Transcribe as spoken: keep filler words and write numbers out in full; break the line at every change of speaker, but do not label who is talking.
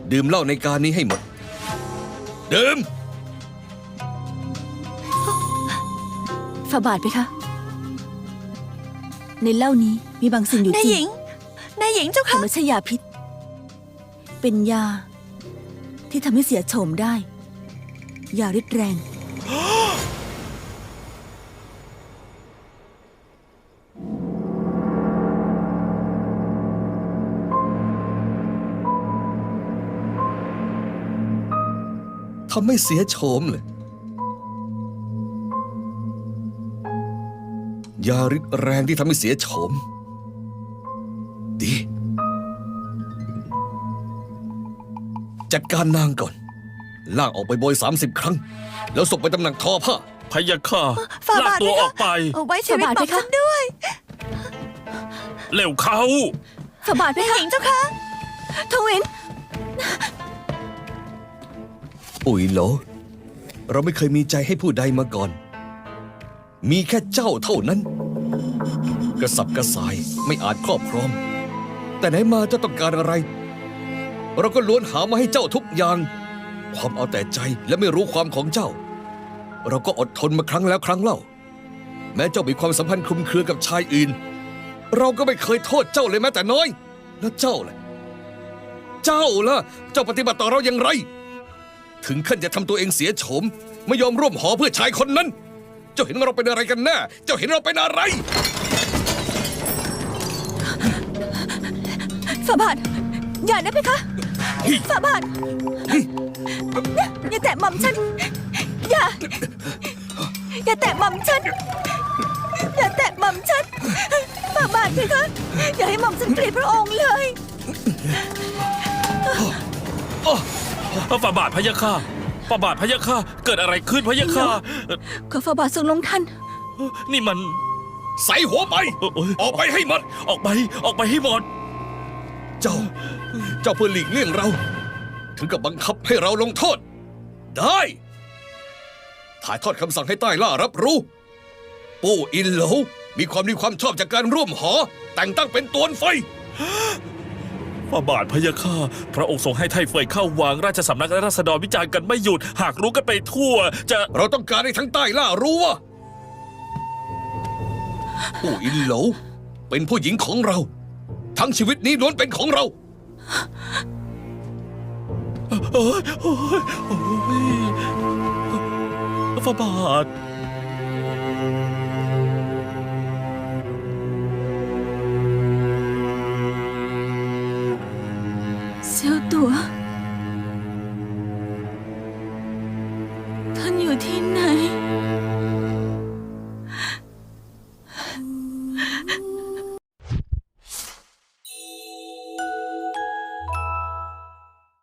ดื่มเหล้าในการนี้ให้หมดดื่ม
ฝ่าบาทไปคะในเหล้านี้มีบางสิ่งอยู่จริง
นายหญิง นายหญิงเจ้า
แต่
ค่ะ
ไม่ใช่ยาพิษ เป็นยาที่ทำให้เสียโฉมได้ ยาฤทธิ์แรง
ทำให้เสียโฉมเลยยาฤทธิ์แรงที่ทำให้เสียโฉมดีจัดการนางก่อนลากออกไปโบยสามสิบครั้งแล้วส่งไปตำหนักทอผ้า
พะยะค่ะ
ฝ่า
ลาก
บาท
ตัว
ไหมคะ
ออกไป
เอาไว้ชีวิต
ฝ่าบาท
หม่อม
ไหมคะ
ฉันด้วย
เร็วเขา
ฝ่าบาทไป
นายห
คะ
ญิงเจ้าค่ะ
ทวิน
อุ๋ยโหลเราไม่เคยมีใจให้ผู้ใดมาก่อนมีแค่เจ้าเท่านั้นกระสับกระส่ายไม่อาจครอบครองแต่ไหนมาเจ้าต้องการอะไรเราก็ล้วนหามาให้เจ้าทุกอย่างความเอาแต่ใจและไม่รู้ความของเจ้าเราก็อดทนมาครั้งแล้วครั้งเล่าแม้เจ้ามีความสัมพันธ์คลุมเครือกับชายอื่นเราก็ไม่เคยโทษเจ้าเลยแม้แต่น้อยแล้วเจ้าล่ะเจ้าล่ะเจ้าปฏิบัติต่อเราอย่างไรถึงขั้นจะทำตัวเองเสียโฉมไม่ยอมร่วมหอเพื่อชายคนนั้นเจ้าเห็นเราเป็นอะไรกันแน่เจ้าเห็นเราเป็นอะไร
ฝ่าบาท อย่านะเพคะฝ่าบาท อย่าแตะหม่อมฉัน อย่า อย่าแตะหม่อมฉัน อย่าแตะหม่อมฉันฝ่าบาทเพคะ อย่าให้หม่อมฉันเกลียดพระองค์เลย
ฝ่าบาทพะยะค่ะฝ่าบาทพะยะค่ะเกิดอะไรขึ้นพะยะค่ะ
ขอฝ่าบาททรงลงทัน
นี่มัน
ใส่หัวไป
เอ่อเอ้ย
ออกไปให้หมด
ออกไปออกไปให้หมด
เจ้า เจ้าเพื่อหลีกเลี่ยงเรา ถึงกับบังคับให้เราลงโทษ ได้ ถ่ายทอดคำสั่งให้ใต้ล่ารับรู้ ปู่อินโหลมีความดีความชอบจากการร่วมหอ แต่งตั้งเป็นตวนไฟ
ฝ่าบาทพะยะค่ะพระองค์ทรงให้ไทเฟยเข้าวังราชสำนักและราษฎรวิจารณ์กันไม่หยุด หากรู้กันไปทั่ว จะ
เราต้องการให้ทั้งใต้ล่ารู้ว่าปู่อินโหลเป็นผู้หญิงของเรา ทั้งชีวิตนี้ล้วนเป็นของเรา
เอ้ยโอ้ยโอ้ยฝ่าบาท
เซียวตัว ท่านอยู่ที่ไหน